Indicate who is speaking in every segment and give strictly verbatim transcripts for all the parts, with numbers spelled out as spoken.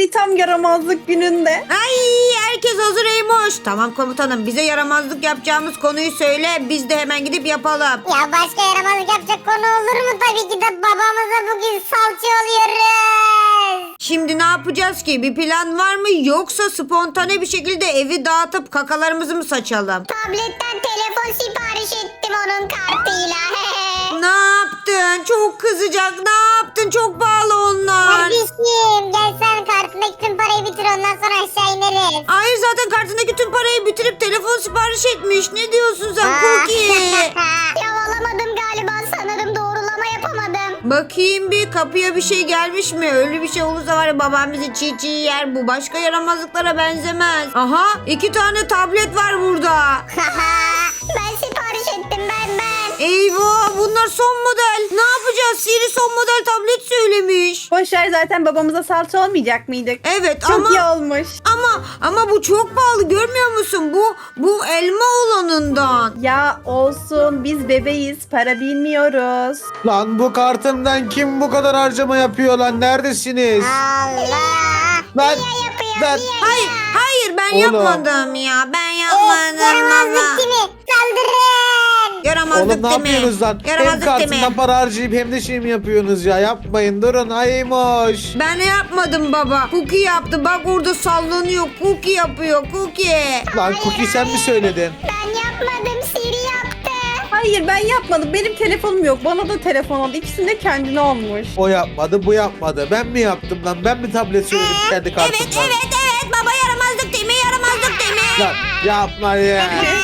Speaker 1: Ay tam yaramazlık gününde.
Speaker 2: Ay herkes hazır Eymoş. Tamam komutanım, bize yaramazlık yapacağımız konuyu söyle. Biz de hemen gidip yapalım.
Speaker 3: Ya başka yaramazlık yapacak konu olur mu? Tabii ki de babamıza bugün salça oluyoruz.
Speaker 2: Şimdi ne yapacağız ki? Bir plan var mı? Yoksa spontane bir şekilde evi dağıtıp kakalarımızı mı saçalım?
Speaker 3: Tabletten telefon sipariş ettim onun kartıyla.
Speaker 2: Ne yaptın? Çok kızacak. Ne yaptın? Çok pahalı onlar.
Speaker 3: Kardeşim gel sen kartındaki tüm parayı bitir ondan sonra aşağı ineriz.
Speaker 2: Hayır, zaten kartındaki tüm parayı bitirip telefon sipariş etmiş. Ne diyorsun sen Cookie?
Speaker 3: Ya alamadım galiba, sanırım doğrulama yapamadım.
Speaker 2: Bakayım bir, kapıya bir şey gelmiş mi? Öyle bir şey olursa var ya, babam bizi çiğ çiğ yer. Bu başka yaramazlıklara benzemez. Aha, iki tane tablet var burada.
Speaker 3: Ben sipariş ettim, ben ben.
Speaker 2: Eyvah, bunlar son model. Ne yapacağız? Siri son model tablet söylemiş.
Speaker 1: Boşver, zaten babamıza salça olmayacak mıydık?
Speaker 2: Evet
Speaker 1: Çok
Speaker 2: ama
Speaker 1: iyi olmuş.
Speaker 2: ama ama bu çok pahalı, görmüyor musun? Bu bu elma olanından.
Speaker 1: Ya olsun, biz bebeğiz, para bilmiyoruz.
Speaker 4: Lan bu kartımdan kim bu kadar harcama yapıyor lan? Neredesiniz?
Speaker 3: Allah.
Speaker 4: Ben,
Speaker 3: Yapıyor
Speaker 4: ben,
Speaker 3: niye
Speaker 2: Hayır,
Speaker 3: ya?
Speaker 2: hayır ben
Speaker 4: Oğlum.
Speaker 2: yapmadım ya. Ben
Speaker 3: Evet,
Speaker 2: yapmadım
Speaker 3: yaramazlık
Speaker 2: baba.
Speaker 3: kimi? Saldırın.
Speaker 2: Yaramazlık
Speaker 4: oğlum ne
Speaker 2: değil mi?
Speaker 4: yapıyorsunuz lan? Hem
Speaker 2: Yaramazlık değil
Speaker 4: kartından
Speaker 2: mi?
Speaker 4: para harcayıp hem de şey mi yapıyorsunuz ya? Yapmayın, durun aymış.
Speaker 2: Ben yapmadım baba. Cookie yaptı. Bak orada sallanıyor. Cookie yapıyor. Cookie.
Speaker 4: Lan Cookie sen mi söyledin?
Speaker 3: Ben yapmadım, Siri yaptı.
Speaker 1: Hayır, ben yapmadım. Benim telefonum yok. Bana da telefon aldı. İkisinin de kendine olmuş.
Speaker 4: O yapmadı, bu yapmadı. Ben mi yaptım lan? Ben mi tablet söyledim kendi
Speaker 2: Evet,
Speaker 4: kartımdan?
Speaker 2: evet, evet. Baba yaramazlık değil mi? Yaramazlık değil mi?
Speaker 4: Lan yapma ya.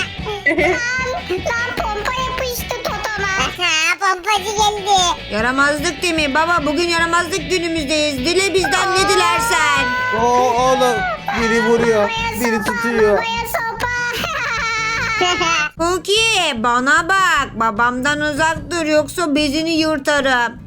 Speaker 3: Lan pompa yapıştı totoma. Pompacı geldi.
Speaker 2: Yaramazlık değil mi? Baba bugün yaramazlık günümüzdeyiz. Dile bizden ne dilersen.
Speaker 4: O oğlum biri vuruyor, biri tutuyor.
Speaker 3: Buraya sopa.
Speaker 2: Cookie bana bak. Babamdan uzak dur yoksa bezini yırtarım.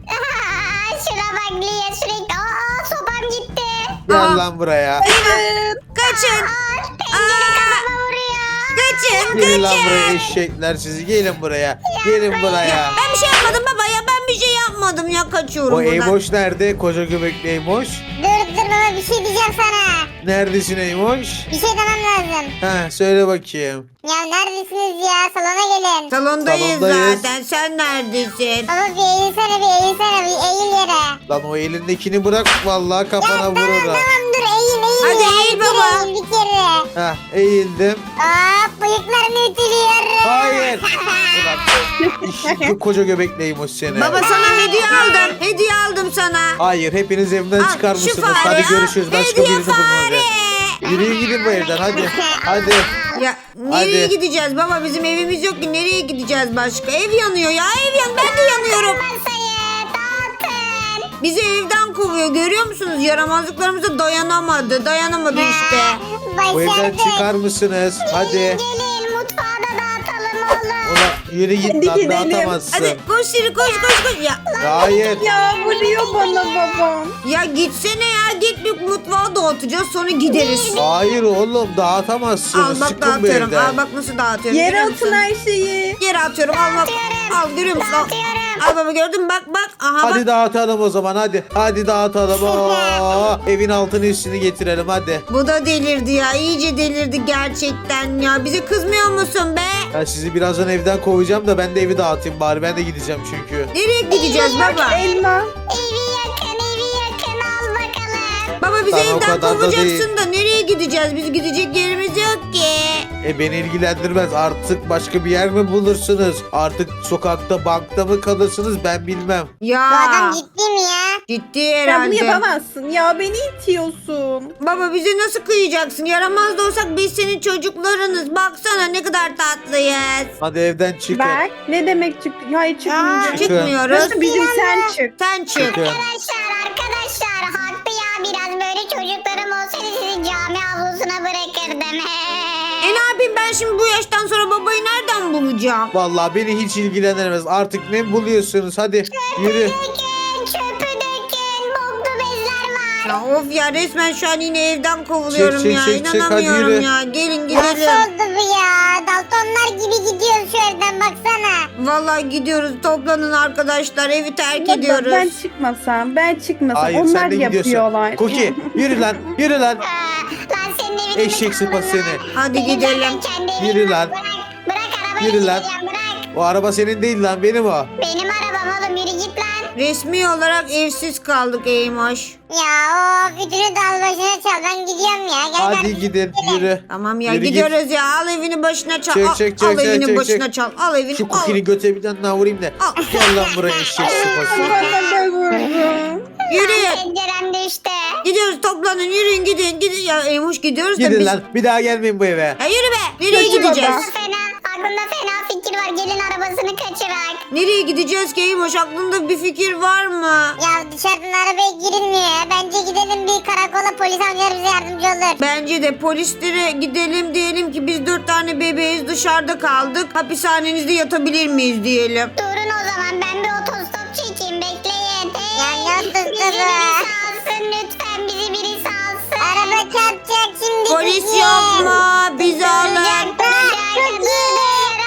Speaker 3: Şuna bak Lia, sürekli. Aa, sopam gitti.
Speaker 2: Aa.
Speaker 4: Gel lan buraya.
Speaker 2: Kaçın.
Speaker 3: Pencere
Speaker 2: Aa,
Speaker 3: kafama vuruyor.
Speaker 2: kaçın,
Speaker 4: Gelin lan
Speaker 2: kaçın.
Speaker 4: buraya eşekler sizi. Gelin buraya. Gelin buraya.
Speaker 2: Ben bir şey yapmadım baba ya. Ben bir şey yapmadım ya. Kaçıyorum
Speaker 4: O
Speaker 2: buradan.
Speaker 4: Eymoş nerede? Koca göbekli Eymoş.
Speaker 3: Dur dur baba, bir şey diyeceğim sana.
Speaker 4: Neredesin Eymoş?
Speaker 3: Bir şey demem lazım.
Speaker 4: Ha söyle bakayım.
Speaker 3: Ya neredesiniz ya? Salona gelin.
Speaker 2: Salondayız,
Speaker 4: Salondayız.
Speaker 2: zaten. Sen neredesin?
Speaker 3: Baba bir eğilsene, bir eğilsene, bir eğil yere.
Speaker 4: Lan o elindekini bırak vallahi
Speaker 3: Ya
Speaker 4: kafana
Speaker 3: tamam
Speaker 4: vururum.
Speaker 3: tamam, dur eğil eğil.
Speaker 2: Hadi
Speaker 3: ya.
Speaker 2: eğil
Speaker 3: Bir kere
Speaker 2: baba.
Speaker 3: Eğil, bir kere.
Speaker 4: Hah eğildim.
Speaker 3: Hop, bıyıklarını ütülüyorum.
Speaker 4: Hayır. Ulan işin koca göbekli Eymoş seni.
Speaker 2: Baba sana hediye aldım. Hediye aldım sana.
Speaker 4: Hayır hepiniz evden
Speaker 2: Al,
Speaker 4: çıkar
Speaker 2: şu
Speaker 4: mısınız?
Speaker 2: fare,
Speaker 4: Hadi
Speaker 2: al.
Speaker 4: görüşürüz. Başka
Speaker 2: Hediye
Speaker 4: birini bulun
Speaker 2: fare.
Speaker 4: hadi. Yürüyün gidin bu evden hadi. Hadi.
Speaker 2: Ya nereye
Speaker 4: Hadi.
Speaker 2: gideceğiz baba? Bizim evimiz yok ki. Nereye gideceğiz başka? Ev yanıyor ya. Ev yan. Ben de yanıyorum.
Speaker 3: Masayı dağıtın.
Speaker 2: Bizi evden kovuyor. Görüyor musunuz? Yaramazlıklarımıza dayanamadı. Dayanamadı işte.
Speaker 4: Bu evden
Speaker 3: Başardık.
Speaker 4: çıkar mısınız? Hadi.
Speaker 3: Gelin mutfağı da dağıtalım oğlum.
Speaker 4: Ulan yürü git
Speaker 1: Hadi
Speaker 4: lan
Speaker 1: gidelim.
Speaker 4: dağıtamazsın.
Speaker 2: Hadi koş Siri, koş koş koş. Ya,
Speaker 4: Hayır.
Speaker 1: Ya vuruyor bana babam.
Speaker 2: ya gitsene ya. Git bir mutfağı dağıtacağız. Sonra gideriz.
Speaker 4: Hayır oğlum dağıtamazsınız.
Speaker 2: Al bak
Speaker 4: Çıkın bu
Speaker 2: dağıtıyorum.
Speaker 4: evden.
Speaker 2: Al bak nasıl dağıtıyorum.
Speaker 1: Yere
Speaker 2: görüyor
Speaker 1: atın
Speaker 2: musun?
Speaker 1: her şeyi.
Speaker 2: Yere atıyorum. Al bak. Al görüyor musun? Al.
Speaker 3: Dağıtıyorum.
Speaker 2: Al baba, gördün mü? Bak bak. Aha
Speaker 4: Hadi
Speaker 2: bak.
Speaker 4: dağıtalım o zaman hadi. Hadi dağıtalım. Oo, evin altını üstünü getirelim hadi.
Speaker 2: Bu da delirdi ya. İyice delirdi gerçekten ya. Bize kızmıyor musun be?
Speaker 4: Ben sizi birazdan evden kovacağım da ben de evi dağıtayım bari. Ben de gideceğim çünkü.
Speaker 2: Nereye gideceğiz baba?
Speaker 1: Elma.
Speaker 3: Evi yakın, evi yakın, al bakalım.
Speaker 2: Baba bizi
Speaker 4: Tamam, o
Speaker 2: evden
Speaker 4: kadar da
Speaker 2: kovacaksın
Speaker 4: değil.
Speaker 2: da nereye gideceğiz? Biz gidecek yerimiz yok ki.
Speaker 4: E beni ilgilendirmez. Artık başka bir yer mi bulursunuz? Artık sokakta bankta mı kalırsınız ben bilmem.
Speaker 2: Ya.
Speaker 3: Bu adam ciddi mi ya?
Speaker 2: Ciddi
Speaker 1: Sen bunu
Speaker 2: herhalde.
Speaker 1: yapamazsın. Ya beni itiyorsun.
Speaker 2: Baba bize nasıl kıyacaksın? Yaramaz da olsak biz senin çocuklarınız. Baksana ne kadar tatlıyız.
Speaker 4: Hadi evden çıkın.
Speaker 1: Bak ne demek çık. Hayır
Speaker 2: Aa,
Speaker 1: çıkmayacağım.
Speaker 4: Çıkın.
Speaker 2: çıkmıyoruz.
Speaker 1: Nasıl bizim sen çık.
Speaker 2: Sen çık.
Speaker 4: Çıkın.
Speaker 3: Arkadaşlar arkadaşlar haklı ya, biraz böyle çocuklarım olsaydı sizi cami avlusuna bırakırdım.
Speaker 2: E ne yapayım ben şimdi bu yaştan sonra babayı nereden bulacağım?
Speaker 4: Vallahi beni hiç ilgilendirmez. Artık ne buluyorsunuz? Hadi yürü.
Speaker 3: Dökün, çöpü dökün, boklu bezler var.
Speaker 2: Ya of ya, resmen şu an yine evden kovuluyorum
Speaker 4: Çek, çek,
Speaker 2: ya.
Speaker 4: çek, çek, hadi
Speaker 2: İnanamıyorum
Speaker 4: yürü.
Speaker 2: ya. Gelin
Speaker 3: Nasıl
Speaker 2: gidelim.
Speaker 3: oldu bu ya? Daltonlar gibi gidiyoruz şu evden baksana.
Speaker 2: Vallahi Vallahi gidiyoruz. Toplanın arkadaşlar. Evi terk
Speaker 1: Baba,
Speaker 2: ediyoruz.
Speaker 1: Ben çıkmasam, ben çıkmasam
Speaker 4: Hayır
Speaker 1: onlar
Speaker 4: sen de gidiyorsun.
Speaker 1: yapıyorlar.
Speaker 4: Koki yürü lan yürü lan.
Speaker 3: Aa, lan senin evini
Speaker 4: Eşek sıpası seni.
Speaker 2: Hadi
Speaker 3: Benim
Speaker 2: gidelim.
Speaker 3: zaten kendi evim
Speaker 4: Yürü
Speaker 3: var.
Speaker 4: lan.
Speaker 3: Bırak, bırak arabayı
Speaker 4: Yürü lan.
Speaker 3: gideceğim, bırak.
Speaker 4: O araba senin değil lan benim o.
Speaker 3: Benim arabam oğlum yürü git lan.
Speaker 2: Resmi olarak evsiz kaldık Eymoş.
Speaker 3: Ya o bütünü dal başına çal ben gidiyorum ya. Gel
Speaker 4: Hadi
Speaker 3: kardeşim,
Speaker 4: gidin
Speaker 3: gidelim.
Speaker 4: yürü.
Speaker 2: Tamam ya
Speaker 4: Yürü git.
Speaker 2: gidiyoruz ya. Al evini başına çal.
Speaker 4: Çek,
Speaker 2: al,
Speaker 4: çek,
Speaker 2: al
Speaker 4: çek,
Speaker 2: evini
Speaker 4: çek,
Speaker 2: başına
Speaker 4: çek.
Speaker 2: çal. Al evini.
Speaker 4: Şu
Speaker 2: al.
Speaker 4: Cookie'nin göte bir tane daha vurayım da.
Speaker 2: Al.
Speaker 4: Gel lan buraya eşek sıpası.
Speaker 1: Bana da vurdu.
Speaker 2: Yürüyün.
Speaker 3: Pencerem düştü.
Speaker 2: Gidiyoruz toplanın yürüyün gidin. Gidin ya Eymoş gidiyoruz da
Speaker 4: Gidin
Speaker 2: biz.
Speaker 4: lan bir daha gelmeyin bu eve.
Speaker 2: Ya yürü be. Nereye
Speaker 1: Kötü
Speaker 2: gideceğiz?
Speaker 1: baba.
Speaker 3: Fena, aklımda fena fikir var. Gelin arabasını kaçırak.
Speaker 2: Nereye gideceğiz ki Eymoş? Aklında bir fikir var mı?
Speaker 3: Ya dışarıdan arabaya girilmiyor ya. Bence gidelim bir karakola, polis amcalar bize yardımcı olur.
Speaker 2: Bence de polislere gidelim diyelim ki biz dört tane bebeğiz dışarıda kaldık. Hapishanenizde yatabilir miyiz diyelim.
Speaker 3: Durun o zaman ben bir otostop çekeyim bekleyin.
Speaker 5: Ya ne
Speaker 3: Bizi
Speaker 5: otostopu?
Speaker 3: biri salsın lütfen, bizi biri salsın.
Speaker 5: Araba çarpacak şimdi.
Speaker 2: Polis
Speaker 5: bizi.
Speaker 2: yok mu? Bizi alın.
Speaker 3: Duracak, duracak, duracak.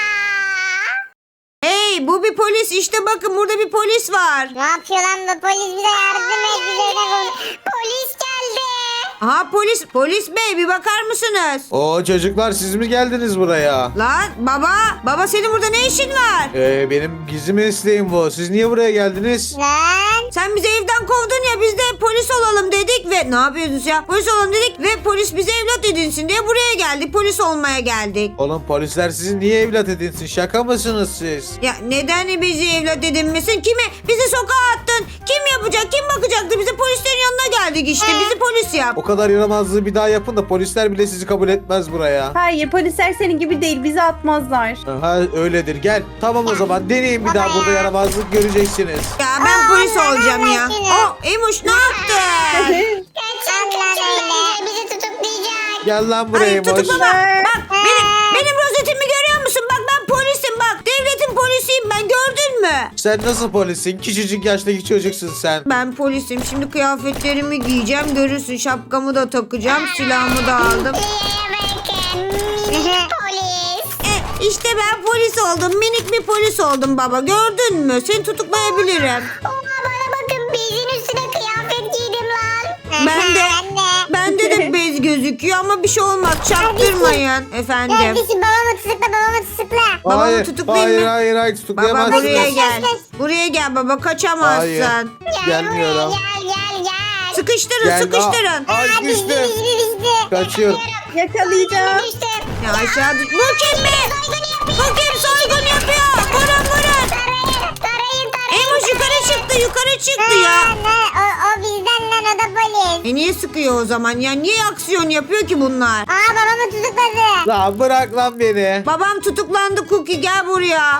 Speaker 2: Hey bu bir polis işte bakın burada bir polis var.
Speaker 5: Ne yapıyor lan bu polis, bize yardım et, bize ne konu.
Speaker 3: Polis geldi.
Speaker 2: Aha polis polis bey bir bakar mısınız?
Speaker 4: Oo çocuklar siz mi geldiniz buraya?
Speaker 2: Lan baba baba senin burada ne işin var?
Speaker 4: Ee, benim gizli mesleğim bu. Siz niye buraya geldiniz?
Speaker 5: Lan.
Speaker 2: Sen bizi evden kovdun ya biz de polis olalım dedik ve ne yapıyorsunuz ya? Polis olalım dedik ve polis bize evlat edinsin diye buraya geldik. Polis olmaya geldik.
Speaker 4: Oğlum polisler sizi niye evlat edinsin? Şaka mısınız siz?
Speaker 2: Ya neden bizi evlat edinmesin? Kimi? Bizi sokağa attın. Kim yapacak? Kim bakacaktı? Bize polislerin yanına geldik işte. Bizi polis yap.
Speaker 4: O kadar yaramazlığı bir daha yapın da polisler bile sizi kabul etmez buraya.
Speaker 1: Hayır polisler senin gibi değil bizi atmazlar.
Speaker 4: Ha öyledir gel. Tamam o zaman deneyin bir daha burada yaramazlık göreceksiniz.
Speaker 2: Ya ben polis
Speaker 5: Allah
Speaker 2: olacağım ya.
Speaker 5: aşkına.
Speaker 2: Oh Eymuş ne yaptın?
Speaker 3: Kaçın
Speaker 5: Allah
Speaker 3: kaçın
Speaker 5: öyle.
Speaker 3: bence bizi tutuklayacak.
Speaker 4: Gel lan buraya
Speaker 2: Hayır
Speaker 4: boş.
Speaker 2: tutuklama. Bak benim, benim rozetimi görüyor musun? Bak ben polisim bak. Devletin polisiyim ben gördün mü?
Speaker 4: Sen nasıl polissin? Küçücük yaştaki çocuksun sen.
Speaker 2: Ben polisim. Şimdi kıyafetlerimi giyeceğim. Görürsün şapkamı da takacağım. Silahımı da aldım.
Speaker 3: Liyeye bakın minik polis.
Speaker 2: E, işte ben polis oldum. Minik bir polis oldum baba. Gördün mü? Seni tutuklayabilirim.
Speaker 3: Oha bana bakın bezin üstüne kıyafet giydim lan.
Speaker 2: Ben de
Speaker 5: Anne.
Speaker 2: bende de bez gözüküyor ama bir şey olmaz. Çaktırmayın efendim.
Speaker 5: Kardeşim babamı tutukla, babamı tutukla.
Speaker 2: Babamı
Speaker 4: hayır,
Speaker 2: tutuklayayım
Speaker 4: hayır,
Speaker 2: mı?
Speaker 4: hayır, hayır,
Speaker 2: Baba
Speaker 4: tutuklayamazsınız.
Speaker 2: buraya
Speaker 5: Kaç,
Speaker 2: gel.
Speaker 5: kaç, kaç.
Speaker 2: Buraya gel baba kaçamazsın.
Speaker 4: Hayır.
Speaker 3: Gel
Speaker 4: Gelmiyorum.
Speaker 3: buraya gel gel gel.
Speaker 2: Sıkıştırın
Speaker 4: Gel,
Speaker 2: sıkıştırın.
Speaker 4: aa, Ay
Speaker 5: Aa,
Speaker 4: düştüm.
Speaker 5: bizdi, bizdi, bizdi.
Speaker 4: Kaçıyorum.
Speaker 1: Yakalayacağım.
Speaker 3: Düştüm.
Speaker 2: Ya aşağı düş. Bu kim be?
Speaker 3: Soygunu yapıyor.
Speaker 2: Bu kim soygun yapıyor? Vurun vurun.
Speaker 3: Tarayın tarayın tarayın.
Speaker 2: Eymuş yukarı çıktı yukarı çıktı ya.
Speaker 5: Ha, ne? O, o bizden lan, o da polis.
Speaker 2: E niye sıkıyor o zaman ya? Niye aksiyon yapıyor ki bunlar?
Speaker 5: Aa babamı tutukladı.
Speaker 4: Lan bırak lan beni.
Speaker 2: Babam tutuklandı Cookie gel buraya.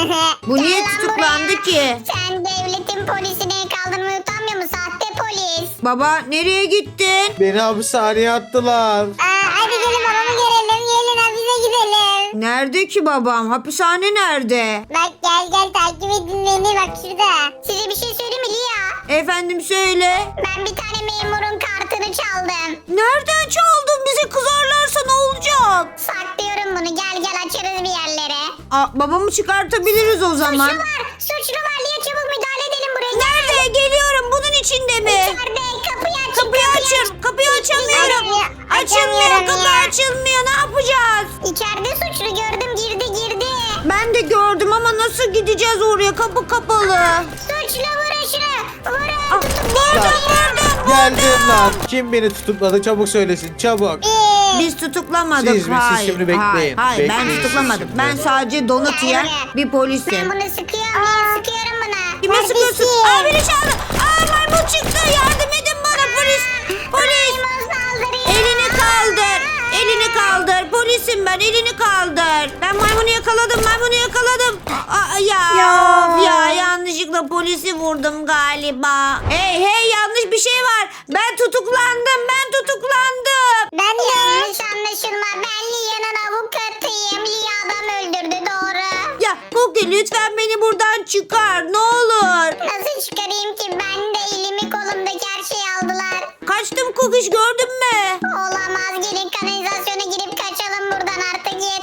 Speaker 2: Bu niye
Speaker 3: Gel lan
Speaker 2: tutuklandı
Speaker 3: buraya.
Speaker 2: ki?
Speaker 3: Sen devletin polisine kaldırmayı utanmıyor musun? Sahte polis.
Speaker 2: Baba nereye gittin?
Speaker 4: Beni hapishaneye attılar.
Speaker 5: Aa, hadi gelin babamı görelim. Gelin hapise gidelim.
Speaker 2: Nerede ki babam? Hapishane nerede?
Speaker 5: Bak gel gel takip edin beni, bak şurada.
Speaker 3: Size bir şey söyleyeyim mi Lia?
Speaker 2: Efendim söyle.
Speaker 3: Ben bir tane memurun kartını çaldım.
Speaker 2: Nereden çaldın? Bize kızarlarsa ne olacak?
Speaker 3: Saklıyorum bunu. Gel gel açarız bir yerlere.
Speaker 2: Aa, babamı çıkartabiliriz o zaman.
Speaker 3: Suçlu var. Suçlu var. Lia çabuk müdahale edelim buraya.
Speaker 2: Nerede? Geliyorum. Bunun içinde mi?
Speaker 3: İçeride. Kapıyı aç.
Speaker 2: Kapıyı açın. Kapıyı açamıyorum.
Speaker 5: Açamıyor,
Speaker 2: Açılmıyor.
Speaker 5: açamıyorum
Speaker 2: Kapı
Speaker 5: ya.
Speaker 2: açılmıyor. Ne yapacağız?
Speaker 3: İçeride suçlu gördüm. Girdi girdi.
Speaker 2: Ben de gördüm ama nasıl gideceğiz oraya? Kapı kapalı.
Speaker 3: Suçlu vurun şunu. Vurun.
Speaker 2: Ah, vurdum vurdum.
Speaker 4: Geldim lan. Kim beni tutukladı çabuk söylesin çabuk.
Speaker 5: Ee,
Speaker 2: Biz tutuklamadık.
Speaker 4: Siz mi? Siz
Speaker 2: Hayır.
Speaker 4: şimdi bekleyin.
Speaker 2: Hayır, hayır. ben
Speaker 4: Bekleyin siz
Speaker 2: tutuklamadım.
Speaker 4: şimdi.
Speaker 2: Ben sadece donut
Speaker 3: Gel
Speaker 2: yiyen
Speaker 3: buraya.
Speaker 2: bir
Speaker 3: Ben
Speaker 2: polisim.
Speaker 3: bunu sıkıyorum. Niye sıkıyorum buna?
Speaker 2: Kime
Speaker 5: Kardeşim.
Speaker 2: sıkıyorsun? Aa biri çaldı. Aa maymun çıktı. Yardım edin bana polis. Polis.
Speaker 3: Maymun saldırıyor.
Speaker 2: Elini kaldır. Elini kaldır. Polisim ben. Elini kaldır. Ben maymunu yakaladım. Maymunu yakaladım. Aa, ya,
Speaker 1: Ya.
Speaker 2: of ya yanlışlıkla polisi vurdum galiba. Hey hey yanlış bir şey var. Ben tutuklandım. Ben tutuklandım.
Speaker 5: ben de.
Speaker 3: Yanlış anlaşılma. Ben Lia'nın avukatıyım. Lia adam öldürdü doğru.
Speaker 2: Ya Cookie lütfen beni buradan çıkar. Ne olur.
Speaker 3: Nasıl çıkarayım ki? Ben de elimi kolumdaki her şeyi aldılar.
Speaker 2: Kaçtım Cookie gördün mü?
Speaker 3: Olamaz. Gelin kanalizasyona girip kaçalım buradan artık yeter.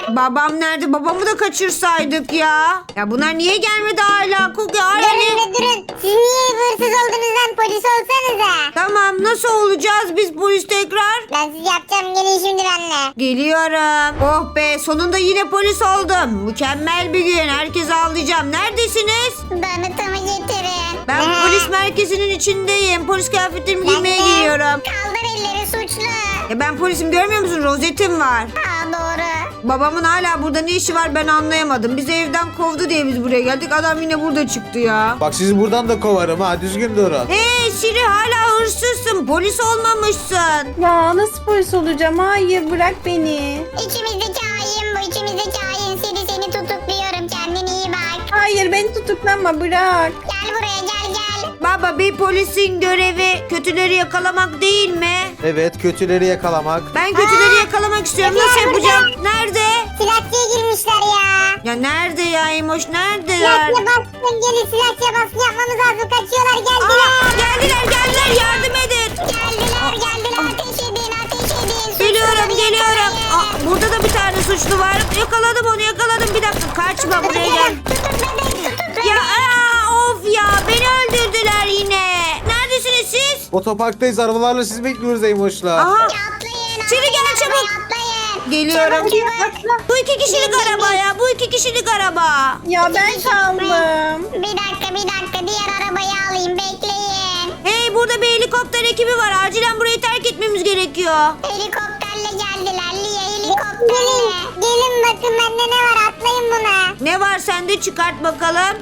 Speaker 2: Babam nerede? Babamı da kaçırsaydık ya. Ya bunlar niye gelmedi hala? Cookie hala
Speaker 5: Durun
Speaker 2: ne?
Speaker 5: be durun. Siz niye hırsız oldunuz lan? Polis olsanıza.
Speaker 2: Tamam nasıl olacağız biz polis tekrar?
Speaker 5: Ben siz yapacağım. Gelin şimdi benimle.
Speaker 2: Geliyorum. Oh be sonunda yine polis oldum. Mükemmel bir gün. Herkesi ağlayacağım. Neredesiniz?
Speaker 3: Donut'umu getirin.
Speaker 2: Ben
Speaker 5: Aha.
Speaker 2: polis merkezinin içindeyim. Polis kıyafetlerimi giymeye
Speaker 5: de.
Speaker 2: gidiyorum.
Speaker 3: Kaldır elleri suçlu.
Speaker 2: Ya ben polisim görmüyor musun? Rozetim var.
Speaker 3: Aa doğru.
Speaker 2: Babamın hala burada ne işi var ben anlayamadım. Bizi evden kovdu diye biz buraya geldik. Adam yine burada çıktı ya.
Speaker 4: Bak sizi buradan da kovarım ha. Düzgün durun.
Speaker 2: Hey Siri hala hırsızsın. Polis olmamışsın.
Speaker 1: Ya nasıl polis olacağım? Hayır bırak beni.
Speaker 3: İçimizdeki hain bu. İçimizdeki hain. Seni seni tutukluyorum. Kendine iyi bak.
Speaker 1: Hayır beni tutuklama bırak.
Speaker 3: Gel buraya gel gel.
Speaker 2: Baba bir polisin görevi kötüleri yakalamak değil mi?
Speaker 4: Evet, kötüleri yakalamak.
Speaker 2: Ben kötüleri yakalamak istiyorum. Nasıl yapacağım? Nerede?
Speaker 5: Silahçıya girmişler ya.
Speaker 2: Ya nerede ya Emoş? Neredeler?
Speaker 5: Silahçıya baskın gelin. Silahçıya baskın yapmamız lazım. Kaçıyorlar
Speaker 2: Aa,
Speaker 5: geldiler.
Speaker 2: geldiler geldiler yardım edin.
Speaker 3: Geldiler geldiler. Ateş edin ateş edin.
Speaker 2: Geliyorum
Speaker 3: Suçluları
Speaker 2: geliyorum.
Speaker 3: yakalayın.
Speaker 2: Aa, burada da bir tane suçlu var. Yakaladım onu yakaladım. Bir dakika kaçma buraya gel.
Speaker 3: Tutukladık tutukladık.
Speaker 2: Ya aa, of ya beni öldürdüler yine. Neredesiniz siz?
Speaker 4: Otoparktayız. Arabalarla sizi bekliyoruz Eymoş'la.
Speaker 2: Aha
Speaker 3: Atlayın.
Speaker 2: Siri gel
Speaker 3: atlayın,
Speaker 2: çabuk.
Speaker 3: Atlayın.
Speaker 2: Geliyorum.
Speaker 3: Çabuk çabuk.
Speaker 2: Bu iki kişilik araba ya. Bu iki kişilik araba.
Speaker 1: Ya ben kaldım.
Speaker 3: Bir dakika bir dakika. Diğer arabayı alayım. Bekleyin.
Speaker 2: Hey burada bir helikopter ekibi var. Acilen burayı terk etmemiz gerekiyor.
Speaker 3: Helikopterle geldiler. Lia
Speaker 5: Gelin.
Speaker 3: helikopterle.
Speaker 5: Gelin bakın bende ne var. Atlayın buna.
Speaker 2: Ne var sende çıkart bakalım.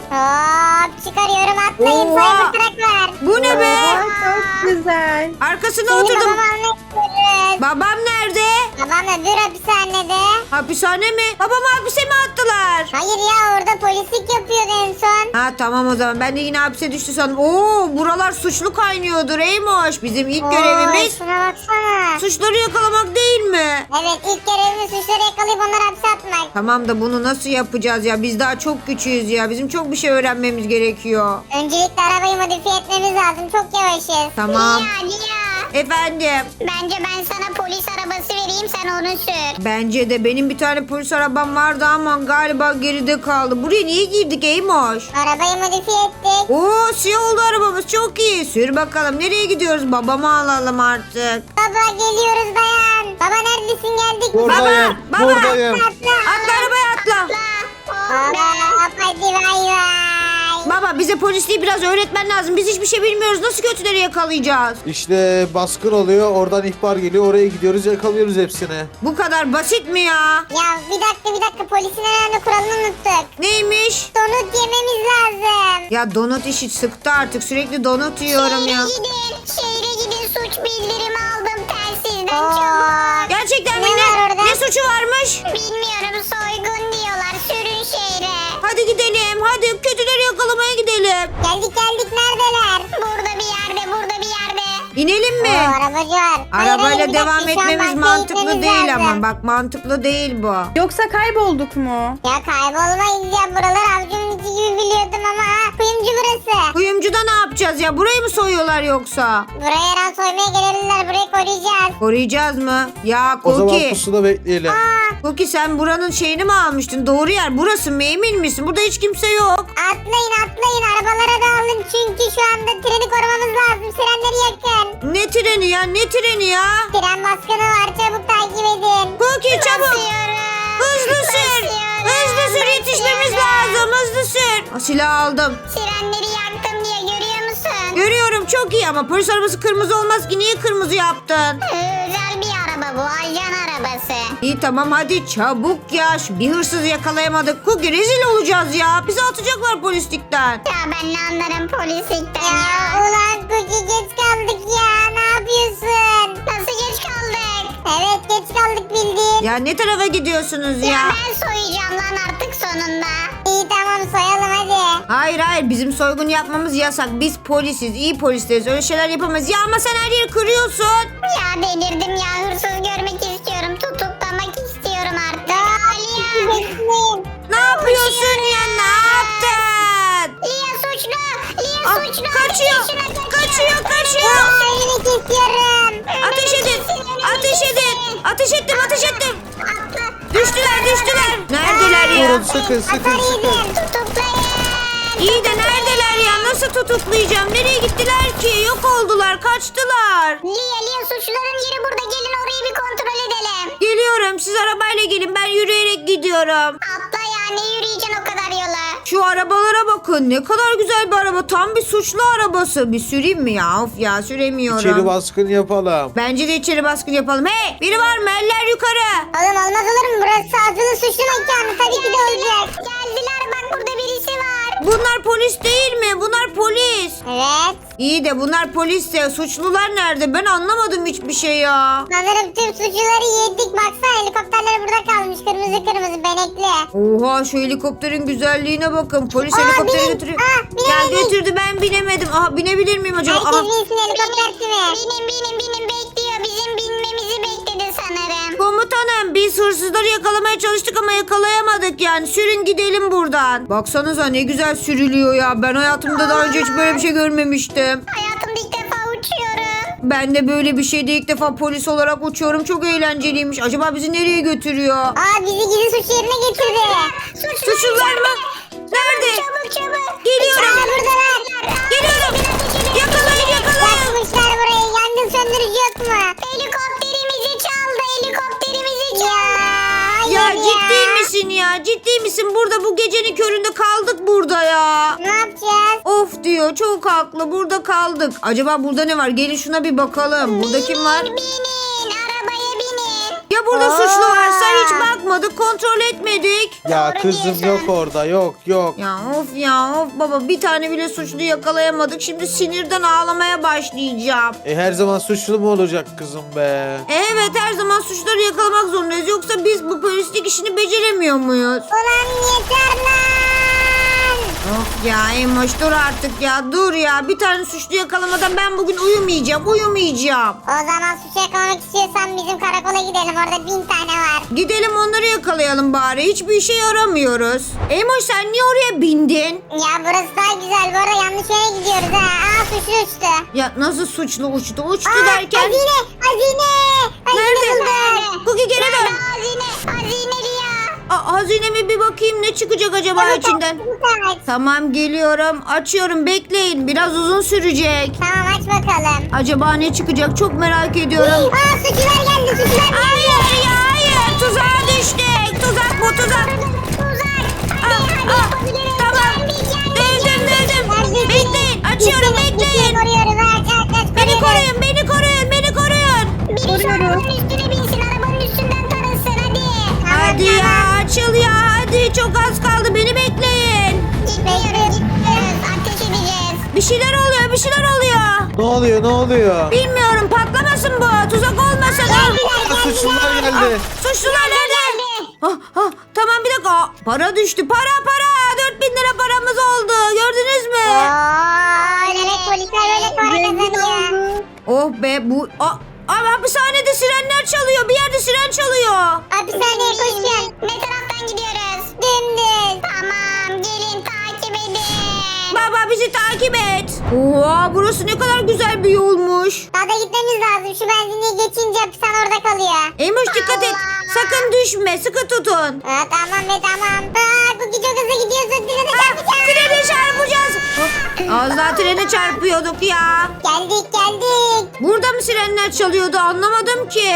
Speaker 5: Hop çıkarıyorum atlayın.
Speaker 2: Oha.
Speaker 5: Cybertruck var.
Speaker 2: Bu ne be?
Speaker 1: Oo, çok güzel.
Speaker 2: Arkasına
Speaker 5: Şimdi
Speaker 2: oturdum.
Speaker 5: babamı almak istiyoruz.
Speaker 2: Babam nerede?
Speaker 5: Babam öbür hapishanede.
Speaker 2: Hapishane mi? Babamı hapise mi attılar?
Speaker 5: Hayır ya orada polislik yapıyordu en son.
Speaker 2: Ha tamam o zaman ben de yine hapse düştü sandım. Oo buralar suçlu kaynıyordur Eymoş. Bizim ilk görevimiz
Speaker 5: Oo, şuna baksana.
Speaker 2: suçları yakalamak değil mi?
Speaker 5: Evet ilk görevimiz suçları yakalayıp onları hapse atmak.
Speaker 2: Tamam da bunu nasıl yapacağız ya? Biz daha çok küçüğüz ya. Bizim çok bir şey öğrenmemiz gerekiyor.
Speaker 5: Öncelikle arabayı modifiye etmemiz lazım. Çok yavaşız.
Speaker 2: Tamam.
Speaker 3: Lia Lia.
Speaker 2: Efendim.
Speaker 3: Bence ben sana polis arabası vereyim sen onu sür.
Speaker 2: Bence de benim bir tane polis arabam vardı ama galiba geride kaldı. Buraya niye girdik Eymoş?
Speaker 5: Arabayı modifiye ettik.
Speaker 2: Oo siyah oldu arabamız çok iyi. Sür bakalım nereye gidiyoruz? Babamı alalım artık.
Speaker 5: Baba geliyoruz dayan. Baba neredesin geldik mi?
Speaker 4: Buradayım.
Speaker 2: Baba, baba.
Speaker 4: Buradayım.
Speaker 5: Atla.
Speaker 2: Atla arabaya atla.
Speaker 5: Baba hadi bay bay.
Speaker 2: Baba bize polisliği biraz öğretmen lazım. Biz hiçbir şey bilmiyoruz. Nasıl kötüleri yakalayacağız?
Speaker 4: İşte baskın oluyor. Oradan ihbar geliyor. Oraya gidiyoruz. Yakalıyoruz hepsini.
Speaker 2: Bu kadar basit mi ya?
Speaker 5: Ya bir dakika bir dakika polisin en önemli kuralını unuttuk.
Speaker 2: Neymiş?
Speaker 5: Donut yememiz lazım.
Speaker 2: Ya donut işi sıktı artık. Sürekli donut yiyorum
Speaker 3: Şehre
Speaker 2: ya.
Speaker 3: gidin. Şehre gidin suç bildirimi aldım telsizden
Speaker 5: Oo.
Speaker 3: çabuk.
Speaker 2: Gerçekten mi?
Speaker 5: Ne var
Speaker 2: Ne,
Speaker 5: orada?
Speaker 2: ne suçu varmış?
Speaker 3: Bilmiyorum soygun diyorlar sürün şehre.
Speaker 2: Hadi gidelim. Hadi kötüleri yakalamaya gidelim.
Speaker 5: Geldik geldik neredeler?
Speaker 3: Burada bir yerde burada bir yerde.
Speaker 2: İnelim mi?
Speaker 5: Oo arabacı var. Hayır, hayır,
Speaker 2: Arabayla
Speaker 5: bir dakika,
Speaker 2: devam
Speaker 5: şu an
Speaker 2: etmemiz
Speaker 5: bankaya
Speaker 2: mantıklı
Speaker 5: gitmemiz
Speaker 2: değil
Speaker 5: lazım.
Speaker 2: ama. Bak mantıklı değil bu.
Speaker 1: Yoksa kaybolduk mu?
Speaker 5: Ya kaybolmayız ya buralar avcumun içi gibi biliyordum ama ha, kuyumcu burası.
Speaker 2: Kuyumcuda ne yapacağız ya? Burayı mı soyuyorlar yoksa?
Speaker 5: Buraya her an soymaya gelebilirler burayı koruyacağız.
Speaker 2: Koruyacağız mı? Ya
Speaker 4: O zaman
Speaker 2: Koki.
Speaker 4: pusuda bekleyelim.
Speaker 2: Koki sen buranın şeyini mi almıştın? Doğru yer burası mı? Emin misin? Burada hiç kimse yok.
Speaker 5: Atlayın atlayın arabalara da alın çünkü şu anda treni korumamız lazım sirenleri yakın.
Speaker 2: Ne treni ya? Ne treni ya?
Speaker 5: Tren baskını var çabuk takip edin.
Speaker 2: Koki çabuk.
Speaker 3: Basıyorum.
Speaker 2: Hızlı sür.
Speaker 3: Basıyorum.
Speaker 2: Hızlı sür yetişmemiz lazım. Hızlı sür. Aa, silah aldım.
Speaker 3: Sirenleri yaktım diye görüyor musun?
Speaker 2: Görüyorum çok iyi ama polis arabası kırmızı olmaz ki. Niye kırmızı yaptın?
Speaker 3: Ee, Özel bir araba bu ajan arabası.
Speaker 2: İyi tamam hadi çabuk ya. Şu bir hırsızı yakalayamadık. Koki rezil olacağız ya. Bizi atacaklar polislikten.
Speaker 3: Ya ben ne anlarım polislikten
Speaker 5: Ya
Speaker 3: ya.
Speaker 5: ulan Cookie geç kaldık ya ne yapıyorsun?
Speaker 3: Nasıl geç kaldık?
Speaker 5: Evet geç kaldık bildiğin.
Speaker 2: Ya ne tarafa gidiyorsunuz
Speaker 3: Ya,
Speaker 2: ya?
Speaker 3: ben soyacağım lan artık sonunda.
Speaker 5: İyi tamam soyalım hadi.
Speaker 2: Hayır hayır bizim soygun yapmamız yasak. Biz polisiz, iyi polisleriz. Öyle şeyler yapamayız. Ya ama sen her yeri kırıyorsun.
Speaker 3: Ya delirdim ya hırsız görmek istiyorum. Tutuklamak istiyorum artık. Lia.
Speaker 5: Bekleyin.
Speaker 2: Ne yapıyorsun ya? Ne yaptın?
Speaker 3: Lia suçlu. Lia
Speaker 2: Ah,
Speaker 3: suçlu.
Speaker 2: kaçıyor.
Speaker 3: Şuna kaçıyor.
Speaker 2: Kaçıyor, kaçıyor.
Speaker 5: Önünü kesiyorum.
Speaker 2: Ateş edin. Ateş edin. Ateş ettim, ateş ettim.
Speaker 3: Atla.
Speaker 2: Düştüler, düştüler,
Speaker 4: sıkın sıkın
Speaker 5: Hasar
Speaker 4: sıkın.
Speaker 5: yedim.
Speaker 3: Tutuklayın.
Speaker 2: İyi de neredeler ya? Nasıl tutuklayacağım? Nereye gittiler ki? Yok oldular, kaçtılar.
Speaker 3: Lia Lia suçluların yeri burada. Gelin orayı bir kontrol edelim.
Speaker 2: Geliyorum. Siz arabayla gelin. Ben yürüyerek gidiyorum.
Speaker 3: Atla ya ne yürüyeceksin o kadar yola.
Speaker 2: Şu arabalara bakın. Ne kadar güzel bir araba. Tam bir suçlu arabası. Bir süreyim mi ya? Of ya süremiyorum.
Speaker 4: İçeri baskın yapalım.
Speaker 2: Bence de içeri baskın yapalım. Hey! Biri var mı? Eller yukarı.
Speaker 5: Oğlum olmaz olur mu? Burası azılı suçlu mekanı. Tabii ki de olacak.
Speaker 3: Geldiler bak burada birisi var.
Speaker 2: Bunlar polis değil mi? Bunlar polis.
Speaker 5: Evet.
Speaker 2: İyi de bunlar polisse. Suçlular nerede? Ben anlamadım hiçbir şey ya.
Speaker 5: Sanırım tüm suçluları yedik. Baksana helikopterler burada kalmış. Kırmızı kırmızı benekli.
Speaker 2: Oha şu helikopterin güzelliğine bakın. Polis
Speaker 5: Aa,
Speaker 2: helikopteri
Speaker 5: binin.
Speaker 2: götürüyor.
Speaker 5: Aa,
Speaker 2: Ya
Speaker 5: binemedik.
Speaker 2: götürdü ben binemedim. Aha binebilir miyim acaba?
Speaker 5: Herkes
Speaker 2: Aha.
Speaker 5: binsin helikopter kimi?
Speaker 3: Binin binin binin bekliyor. Bizim binmemizi bekledi sanırım.
Speaker 2: Komutanım biz hırsızları yakalamaya çalıştık ama yakalayamadık yani. Sürün gidelim buradan. Baksanıza ne güzel sürülüyor ya. Ben hayatımda daha önce hiç böyle bir şey görmemiştim.
Speaker 3: Hayatımda ilk defa uçuyorum.
Speaker 2: Ben de böyle bir şeyde ilk defa polis olarak uçuyorum. Çok eğlenceliymiş. Acaba bizi nereye götürüyor?
Speaker 5: Aa bizi gizli suç yerine getirdi.
Speaker 2: Suçlular mı? Nerede?
Speaker 3: Çabuk çabuk.
Speaker 2: Geliyorum.
Speaker 5: Aa buradalar.
Speaker 2: Geliyorum. Yakalayın yakalayın.
Speaker 5: Yakmışlar burayı. Yangın söndürücü yok mu?
Speaker 3: Helikopterimizi çaldı. Helikopterimizi çaldı.
Speaker 5: Ya
Speaker 2: Ya
Speaker 5: hayır
Speaker 2: ciddi misin ya? Ciddi misin? Burada bu gecenin köründe kaldık burada ya.
Speaker 5: Ne yapacağız?
Speaker 2: Of diyor çok haklı burada kaldık. Acaba burada ne var? Gelin şuna bir bakalım. Burada kim var?
Speaker 3: Binin. Arabaya binin.
Speaker 2: Ya burada
Speaker 5: Aa.
Speaker 2: suçlu varsa hiç bakmadık, kontrol etmedik.
Speaker 4: Ya
Speaker 3: Doğru
Speaker 4: kızım
Speaker 3: diyorsun.
Speaker 4: yok orada yok yok.
Speaker 2: Ya of ya of baba bir tane bile suçlu yakalayamadık. Şimdi sinirden ağlamaya başlayacağım.
Speaker 4: E her zaman suçlu mu olacak kızım be?
Speaker 2: E, Evet her zaman suçları yakalamak zorundayız. Yoksa biz bu polislik işini beceremiyor muyuz?
Speaker 5: Ulan yeter lan.
Speaker 2: Of ya Emoş dur artık ya dur ya. Bir tane suçlu yakalamadan ben bugün uyumayacağım uyumayacağım.
Speaker 5: O zaman suç yakalamak istiyorsan bizim karakola gidelim. Orada bin tane var.
Speaker 2: Gidelim onları yakalayalım bari. Hiçbir işe yaramıyoruz. Emoş sen niye oraya bindin?
Speaker 5: Ya burası daha güzel. Bu arada yanlış yere gidiyoruz ha. Aa suçlu uçtu.
Speaker 2: Ya nasıl suçlu uçtu? Uçtu
Speaker 5: Aa,
Speaker 2: derken.
Speaker 5: Hazine. Hazine. Hazine
Speaker 2: Nerede?
Speaker 5: buldum.
Speaker 2: Cookie geri dön.
Speaker 3: Hazine. Hazine Lia.
Speaker 2: Aa, hazineme bir bakayım ne çıkacak acaba
Speaker 5: Çabuk
Speaker 2: içinden.
Speaker 5: aç, çabuk aç.
Speaker 2: Tamam geliyorum. Açıyorum bekleyin. Biraz uzun sürecek.
Speaker 5: Tamam aç bakalım.
Speaker 2: Acaba ne çıkacak çok merak ediyorum.
Speaker 5: Aa suçlular geldi. Suçlular geldi.
Speaker 2: Hayır ya hayır. Tuzağa düştük. Tuzak bu tuzak.
Speaker 3: Uzak.
Speaker 2: Aa, aa, tamam. Dövdüm dövdüm. Bekleyin. Açıyorum bekleyin.
Speaker 5: Koruyoruz. Aç aç aç.
Speaker 2: Beni
Speaker 5: koruyoruz.
Speaker 2: koruyun beni koruyun beni koruyun.
Speaker 3: Biri şu arabanın üstüne binsin. Arabanın üstünden tarasın hadi.
Speaker 2: Hadi ya açıl ya hadi çok az kaldı beni bekleyin.
Speaker 3: Gitmiyoruz gitmiyoruz. Ateş edeceğiz.
Speaker 2: Bir şeyler oluyor bir şeyler oluyor.
Speaker 4: Ne oluyor ne oluyor?
Speaker 2: Bilmiyorum patlamasın bu tuzak olmasın.
Speaker 4: Aa, suçlular geldi.
Speaker 2: Suçlular nerede? Ah, ah, tamam bir dakika. Aa, para düştü para para. dört bin lira paramız oldu gördünüz mü?
Speaker 5: Aa, demek polisler öyle para kazanıyor.
Speaker 2: Oh be bu... Aa, aa, hapishanede sirenler çalıyor. Bir yerde siren çalıyor.
Speaker 5: Hapishaneye koşun.
Speaker 3: Ne taraftan gidiyoruz?
Speaker 5: Dümdüz.
Speaker 3: Tamam gelin takip edin.
Speaker 2: Baba bizi takip et. Oha burası ne kadar güzel bir yolmuş.
Speaker 5: Daha da gitmemiz lazım. Şu benzinliği geçince hapishane orada kalıyor.
Speaker 2: Eymuş dikkat et.
Speaker 3: Allah.
Speaker 2: Sakın düşme sıkı tutun.
Speaker 5: Aa, tamam be tamam. Aa, Cookie çok hızlı gidiyorsun. Trene
Speaker 2: Ah,
Speaker 5: çarpacağız.
Speaker 2: trene çarpacağız. Oh, az daha trene çarpıyorduk ya.
Speaker 5: Geldik geldik.
Speaker 2: Burada mı sirenler çalıyordu anlamadım ki.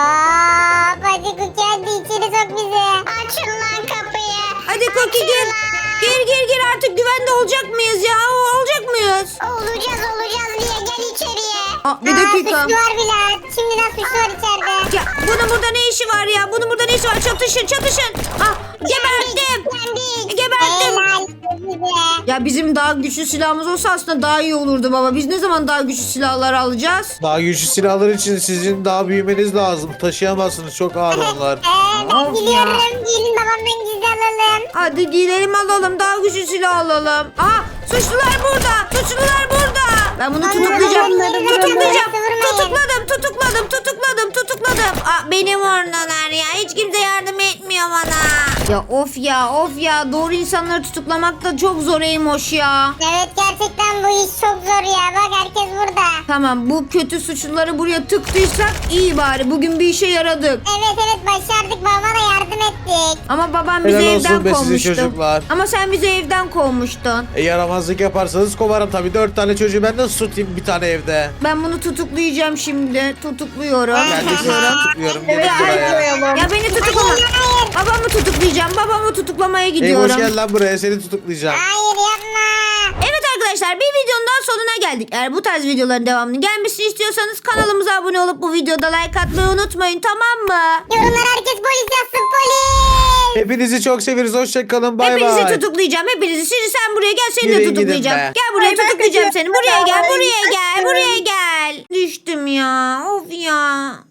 Speaker 5: Aa, hadi Cookie hadi içeri sok bizi.
Speaker 3: Açın lan kapıyı.
Speaker 2: Hadi Koki gir. Gir gir gir artık güvende olacak mıyız ya? Olacak mıyız?
Speaker 3: Olacağız olacağız diye gel içeriye.
Speaker 2: Aa, bir
Speaker 5: Aa,
Speaker 2: dakika.
Speaker 5: suçlu var bile. Şimdiden suçlu var içeride.
Speaker 2: Ya bunun burada ne işi var ya? Bunun burada ne işi var? Çatışın çatışın. Ah gebertim.
Speaker 3: Yendik.
Speaker 2: Gebertim.
Speaker 5: Helal size.
Speaker 2: Ya bizim daha güçlü silahımız olsa aslında daha iyi olurdu baba. Biz ne zaman daha güçlü silahlar alacağız?
Speaker 4: Daha güçlü silahlar için sizin daha büyümeniz lazım. Taşıyamazsınız çok ağır onlar.
Speaker 5: Ee, ben
Speaker 2: Of ya.
Speaker 5: gidiyorum. Gelin babamdan gizli alalım.
Speaker 2: Hadi gidelim alalım. Daha güçlü silah alalım. Aha suçlular burada. Suçlular burada. Ben bunu tutuklayacağım.
Speaker 5: Onları vurun,
Speaker 2: Tutuklayacağım.
Speaker 5: vurmayın.
Speaker 2: Tutukladım tutukladım tutukladım tutukladım. Aa, beni vurdular ya. Hiç kimse yardım etmiyor bana. Ya of ya of ya doğru insanları tutuklamak da çok zor Eymoş ya.
Speaker 5: Evet gerçekten bu iş çok zor ya. Bak herkes burada.
Speaker 2: Tamam bu kötü suçluları buraya tıktıysak iyi bari bugün bir işe yaradık.
Speaker 5: Evet evet başardık. Babama da yardım ettik.
Speaker 2: Ama babam bizi
Speaker 4: Helal olsun
Speaker 2: evden
Speaker 4: be size
Speaker 2: kovmuştu.
Speaker 4: çocuklar.
Speaker 2: Ama sen bizi evden kovmuştun.
Speaker 4: E, yaramazlık yaparsanız kovarım tabii. Dört tane çocuğu ben nasıl tutayım bir tane evde?
Speaker 2: Ben bunu tutuklayacağım şimdi. Tutukluyorum.
Speaker 4: Ben de sizi
Speaker 2: Tutukluyorum.
Speaker 4: tutukluyorum.
Speaker 1: Evet
Speaker 4: Gelin buraya.
Speaker 1: koyalım.
Speaker 2: Ya beni tutuklama. Babamı tutuklayacağım. Babamı tutuklamaya
Speaker 4: Ey hoş
Speaker 2: gidiyorum.
Speaker 4: gel lan buraya, seni tutuklayacağım.
Speaker 5: Hayır yapma.
Speaker 2: Evet arkadaşlar bir videonun daha sonuna geldik. Eğer bu tarz videoların devamını gelmesini istiyorsanız kanalımıza abone olup bu videoda like atmayı unutmayın, tamam mı?
Speaker 5: Yorumlar herkes polis yazsın polis.
Speaker 4: Hepinizi çok severiz. Hoşçakalın. Bay
Speaker 2: Hepinizi
Speaker 4: bay.
Speaker 2: tutuklayacağım. Hepinizi. Şimdi sen buraya gel, seni de
Speaker 4: Yürüyün gidin
Speaker 2: tutuklayacağım.
Speaker 4: be.
Speaker 2: Gel buraya
Speaker 1: Ay, ben
Speaker 2: tutuklayacağım
Speaker 1: kaçıyorum.
Speaker 2: seni. Buraya gel,
Speaker 1: Ay,
Speaker 2: buraya gel,
Speaker 1: kaçıyorum.
Speaker 2: buraya gel. Düştüm ya. Of ya.